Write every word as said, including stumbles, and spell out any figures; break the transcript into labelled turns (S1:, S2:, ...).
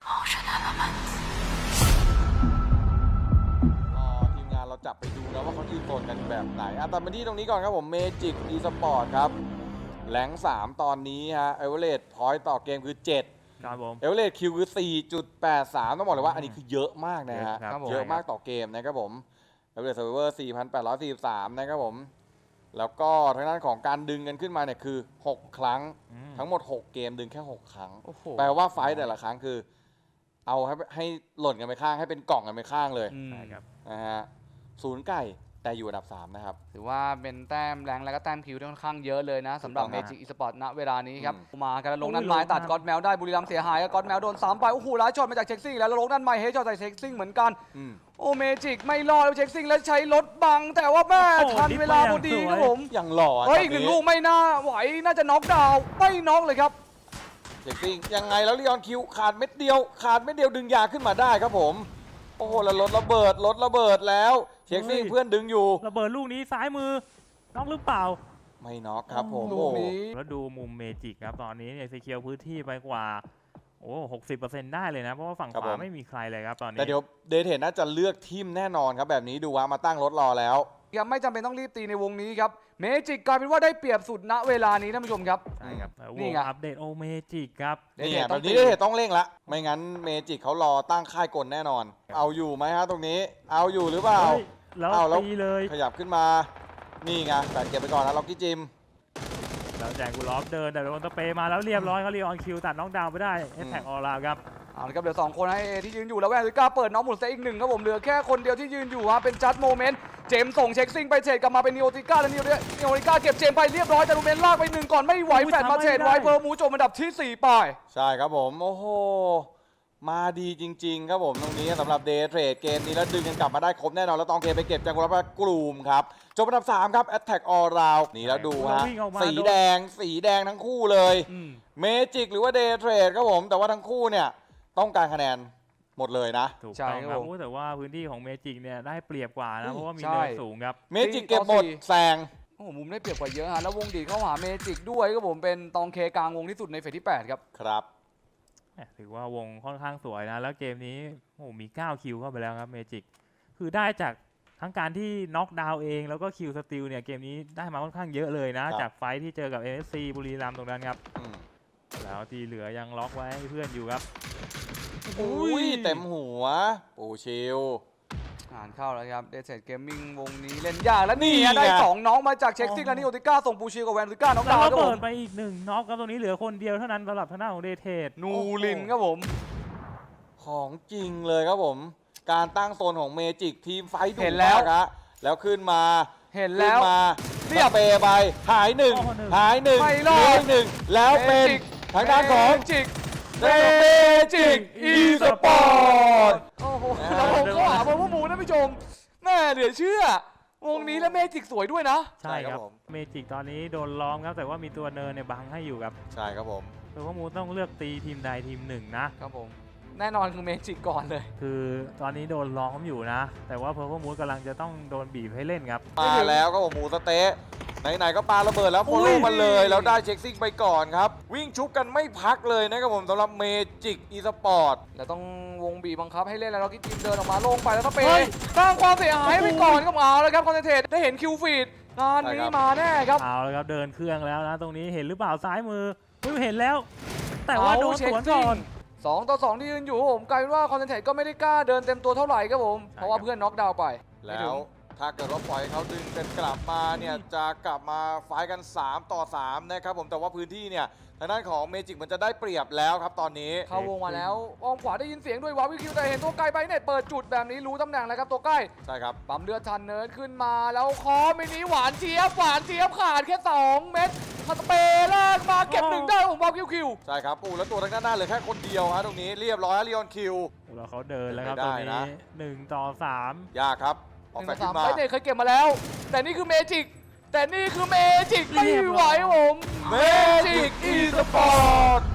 S1: ทีมงานเราจับไปดูแล้วว่าเขายืนโซนกันแบบไหนอ่ะแต่มาที่ตรงนี้ก่อนครับผมเมจิกอีสปอร์ตครับแหลงสามตอนนี้ฮะเอเวอเรสต์พอยต์ต่อเกมคือเจ็ด
S2: ครับผม
S1: เอเวอเรสต์คิวคือ สี่จุดแปดสาม ต้องบอกเลยว่าอันนี้คือเยอะมากนะฮะ
S2: ครับ
S1: เยอะมากต่อเกมนะครับผมเอเวอเรสต์เซิร์ฟเวอร์ สี่พันแปดร้อยสี่สิบสาม นะครับผมแล้วก็ทางด้านของการดึงกันขึ้นมาเนี่ยคือหกครั้งทั้งหมดหกเกมดึงแค่หกครั้งแปลว่าไฟต์แต่ละครั้งคือเอาให้ให้หล่นกันไปข้างให้เป็นกล่องกันไปข้างเลย
S2: ใช่ครับ
S1: นะฮะศูนย์ไก่แต่อยู่อันดับสามนะครับ
S3: ถือว่าเป็นแต้มแรงและก็แต้มคิวที่ค่อนข้างเยอะเลยนะสำหรับ
S1: ถูก
S3: เม
S1: ต้อง
S3: จิกอีสปอร์ตณเวลานี้ครับ
S1: อืม
S3: มากันแล้วลงนั่นไม้ตัดก๊อตแมวได้บุรีรัมย์เสียหายแล้วก๊อตแมวโดนสามไปโอ้โหร้ายช็อตมาจากเช็คซิ่งแล้วแล้วลงนั่นไม้เฮดช็อตใส่เช็คซิ่งเหมือนกัน
S1: อืม
S3: โอ้เมจิกไม่รอดแล้วเช็คซิ่งแล้วใช้รถบังแต่ว่าแม่
S2: โอ้
S3: ทันเวลาพอดีครับผม
S1: อย่างหล่อ
S3: เฮ้ยอีกหนึ่งลูกไม่น่าไหวน่าจะน็อกดาวน์ไม่น็อกเลยครับ
S1: เช็คซิ่งยังไงแล้วลีออนคิวขาดเม็ดเดียว ขาดเม็ดเดียวดึงยาขึ้นมาได้ครับผมโอ้โหแล้วรถระเบิดรถระเบิดแล้วเช็คซิ่งเพื่อนดึงอยู่
S2: ระเบิดลูกนี้ซ้ายมือน้องหรือเปล่า
S1: ไม่น็อกครับผม
S3: ลู
S1: โอ้
S3: กนี้
S2: แล้วดูมุมเมจิกครับตอนนี้เนี่ยซีเคียวพื้นที่ไปกว่าโอ้หกสิบเปอร์เซ็นต์ได้เลยนะเพราะว่าฝั่งขวาไม่มีใครเลยครับตอนนี้
S1: แต่เดี๋ยวเดทเทนน่าจะเลือกทีมแน่นอนครับแบบนี้ดูว่ามาตั้งรถรอแล้ว
S3: ยังไม่จำเป็นต้องรีบตีในวงนี้ครับเมจิกกลายเป็นว่าได้เปรียบสุดณเวลานี้ท่านผู้ชมครับ
S2: ใช่ครับแล้ว
S3: นี่
S2: วง
S3: ไง
S2: อัปเดตโอเมจิกครับ
S1: นี่ไง
S3: เดทเทนต้
S1: แบ
S3: อง
S1: บนี้
S3: ตี
S1: เดทเทนต้องเร่งละไม่งั้นเมจิกเขารอตั้งค่ายกลแน่นอน เอาอยู่ไหมฮะตรงนี้ เอาอยู่หรือเปล่า
S2: เฮ้ยแล้ว
S1: เอาแล้ว
S2: ตีเลย
S1: ขยับขึ้นมานี่ไงแต่เก็บไปก่อนนะล็อกกี้จิม
S2: แล้วแจงกูลอฟเดินแต่โดนสเปรย์มาแล้วเรียบร้อยเขาลีออนคิวตัดน้องดาวน์ไปได้เอสแท็กออลาครับ
S3: เอาละครับเหลือสองคนให้เอที่ยืนอยู่แล้วแวนซิก้าเปิดน้องหมุนเซอีกหนึ่งครับผมเหลือแค่คนเดียวที่ยืนอยู่ฮะเป็นจัดโมเมนต์เจมส์ส่งเช็คซิงไปเทรดกลับมาเป็นนิโอติก้าและนิโอนิโอติก้าเก็บเจมส์ไปเรียบร้อยแต่โมเมนต์ลากไปหนึ่งก่อนไม่ไหวแฟดมาเทรดไว้เพิ่มมูจบอันดับที่สี่ไป
S1: ใช่ครับผมโอ้โหมาดีจริงๆครับผมตรงนี้สำหรับเดย์เทรดเกมนี้แล้วดึงกันกลับมาได้ครบแน่นอนแล้วตองเกมไปเก็บจากกุลาบกลุ่มครับจบอันดับสามครับ Attack All Round นี่แล้วดูฮะ
S2: วิ่งออกมา
S1: สีแดงสีแดงทั้งคู่เลยเมจิกหรือว่าเดย์เทรดครับผมแต่ว่าทั้งคู่เนี่ยต้องการคะแนนหมดเลยนะ
S2: ถูก
S3: ใช่
S2: ต้อง
S3: ค
S2: ค
S3: รั
S2: รั
S3: บบ ผม
S2: โอ้แต่ว่าพื้นที่ของเมจิกเนี่ยได้เปรียบกว่า
S1: เฮ้
S2: นะ
S1: ย
S2: เพราะว่ามี
S3: ใช่
S2: เนินสูงครับ
S1: เมจิกเก็บหมดแซง
S3: โอ้โหมุมได้เปรียบกว่าเยอะฮะแล้ววงดีดเข้าหาเมจิกด้วยครับผมเป็นตองเคกลางวงที่สุดในเฟสที่แปดครับ
S1: ครับ
S2: ถือว่าวงค่อนข้างสวยนะ แล้วเกมนี้โอ้โหมีเก้าคิวเข้าไปแล้วครับเมจิกคือได้จากทั้งการที่น็อกดาวน์เองแล้วก็คิวสติลเนี่ยเกมนี้ได้มาค่อนข้างเยอะเลยนะ
S1: ครับ
S2: จากไฟท์ที่เจอกับ เอ็น เอส ซี บุรีรัมย์ตรงนั้นครับ
S1: อืม
S2: แล้วที่เหลือยังล็อกไว้ให้เพื่อนอยู่ครับ
S1: อุ้ยเต็มหัวปูชิล
S3: อ่านเข้าแล้วครับเดซเซตเกมมิ่งวงนี้เล่นยากแล้วนี่
S1: นี่
S3: ฮะได้
S1: ไง
S3: สองน้องมาจากเช็คซิ่งและนิโอติก้าส่งปูชิกับแวนซิก้าน้อง
S2: แล้
S3: ดาว ว
S2: ระ
S3: ครับผ
S2: เบิด
S3: ม
S2: ไปอีกหนึ่งน็อกครับตรงนี้เหลือคนเดียวเท่านั้นสำหรับทางด้านของเดเทด
S3: นูรินครับผม
S1: ของจริงเลยครับผม การตั้งโซนของเมจิกทีมไฟท์ดุ
S3: เห็นแล้ว
S1: มากครับแล้วขึ้นมา
S3: เห็นแล้ว
S1: ขึ้นมา
S3: เรียบ
S1: สเปย์ไปหายหนึ่ง
S2: โอ้โหหนึ่ง
S1: หายหนึ่ง
S3: ไม่รอด
S1: เหลืกหนึ่งแล้วเป็นทางด้านของ
S3: เมจิก
S1: เมจิกอีสปอร์ต
S3: โอ้โห
S1: นะ
S3: แล้วผมก็หาเบอร์พวกหมูนะผู้ชมแม่เหลือเชื่อ วงนี้แล้วเมจิกสวยด้วยนะ
S2: ใช่ครับ
S1: ผม
S2: เมจิกตอนนี้โดนล้อมครับแต่ว่ามีตัวเนินเนี่ยบังให้อยู่ครับ
S1: ใช่ครับผม
S2: เพราะว่ามูต้องเลือกตีทีมใดทีมหนึ่งนะ
S3: ครับผม แน่นอนคือเมจิกก่อนเลย
S2: คือตอนนี้โดนล้อมอยู่นะ แต่ว่าเพอร์ มูดกำลังจะต้องโดนบีบให้เล่นครับ
S1: มาแล้วครับผมหมูสะเต๊ะไหนๆก็ปาระเบิดแล้วโฟ
S3: อุ้
S1: โล่
S3: ย
S1: มันเลยแล้วได้เช็คซิ่งไปก่อนครับ วิ่งชุบกันไม่พักเลยนะครับผมสำหรับเมจิกอีสปอร์ต
S3: แล้วต้องวงบีบบังคับให้เล่นแล้วเรากิทีมเดินออกมาลงไปแล้วก็เป
S2: เฮ้ย
S3: สร้างความเสียหายไปก่อนก็เอาแล้วครับคอนเทนเทรได้เห็นคิวฟีดงานนี้มาแน่ครับ
S2: เอาแล้วครับเดินเครื่องแล้วนะ ตรงนี้เห็นหรือเปล่าซ้ายมือไม่เห็นแล้ว แต่ว่าโดนสวนก่อน
S3: สองต่อสองที่ยืนอยู่ผมกลายเป็นว่าคอนเทนเทรก็ไม่ได้กล้าเดินเต็มตัวเท่าไหร่ครับผมเพราะว่าเพื่อนน็อกดาวน์ไป
S1: แล้วถ้าเกิดว่าปล่อยเขาดึงกันกลับมาเนี่ยจะกลับมาไฟท์กัน สามต่อสามนะครับผมแต่ว่าพื้นที่เนี่ยทางด้านของเมจิกมันจะได้เปรียบแล้วครับตอนนี้
S3: เข้าวงมาแล้วอ้อมขวาได้ยินเสียงด้วยวาวิคิวแต่เห็นตัวไกลไปเน็ตเปิดจุดแบบนี้รู้ตำแหน่งแล้วครับตัวใกล้
S1: ใช่ครับ
S3: ปั๊มเลือดทันเนิร์ดขึ้นมาแล้วคอมินิหวานเจี๊ยบหวานเจี๊ยบขาดแค่สองเม็ดสเปรย์แรกมาเก็บหนึ่งได้ของวาวิคิว
S1: ใช่ครับปูแล้วตัวทางด้านหน้าเหลือแค่คนเดียวฮะตรงนี้เรียบร้อยฮะลีออนคิว
S2: แล้วเขาเดินแล้วครับ
S1: ไม่
S2: ตร
S1: ได้
S2: ง
S1: นะ
S2: นี้หนึ่งต่อสาม
S1: ยากครับอ
S3: ห
S1: อก
S3: นึ่ง
S1: แฟ
S3: ต่
S1: น
S3: อ
S1: ขึ้
S3: สาม
S1: นมา
S3: ไปเน็ตเคยเก็บมาแล้ว แต่นี่คือเมจิกแต่นี่คือเมจิกไม่ไหวผม
S1: เมจิกอีสปอร์ต